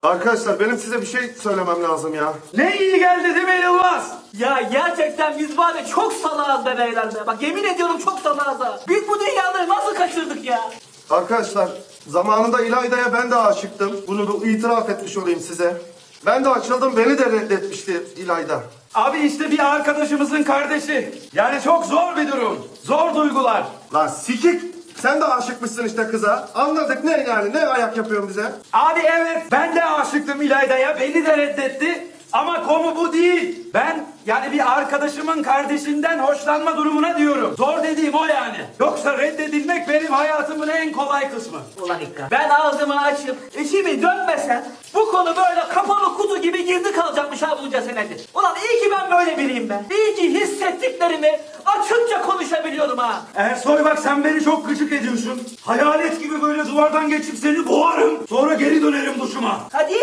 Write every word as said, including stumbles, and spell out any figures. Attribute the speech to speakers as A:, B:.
A: Arkadaşlar benim size bir şey söylemem lazım ya.
B: Ne iyi geldi değil mi Yılmaz?
C: Ya gerçekten biz var ya çok salağız be beyler be. Bak yemin ediyorum çok salağız ha. Biz bu dünyaları nasıl kaçırdık ya?
A: Arkadaşlar zamanında İlayda'ya ben de aşıktım. Bunu da itiraf etmiş olayım size. Ben de açıldım, beni de reddetmişti İlayda.
B: Abi işte bir arkadaşımızın kardeşi. Yani çok zor bir durum. Zor duygular.
A: Lan sikik! Sen de aşıkmışsın işte kıza. Anladık, ne yani, ne ayak yapıyorsun bize?
B: Abi evet ben de aşıktım İlayda'ya. Beni de reddetti. Ama konu bu değil. Ben yani bir arkadaşımın kardeşinden hoşlanma durumuna diyorum. Zor dediğim o yani. Yoksa reddedilmek benim hayatımın en kolay kısmı.
C: Ulan İkra. Ben ağzımı açıp içimi dönmesem bu konu böyle kapalı kutu gibi girdi kalacakmış ha bunca senedir. Ulan iyi ki ben böyle biriyim ben. İyi ki hissettiklerimi açıkça konuşabiliyorum ha.
B: Ersoy bak sen beni çok gıcık ediyorsun. Hayalet gibi böyle duvardan geçip seni boğarım. Sonra geri dönerim duşuma.
C: Hadi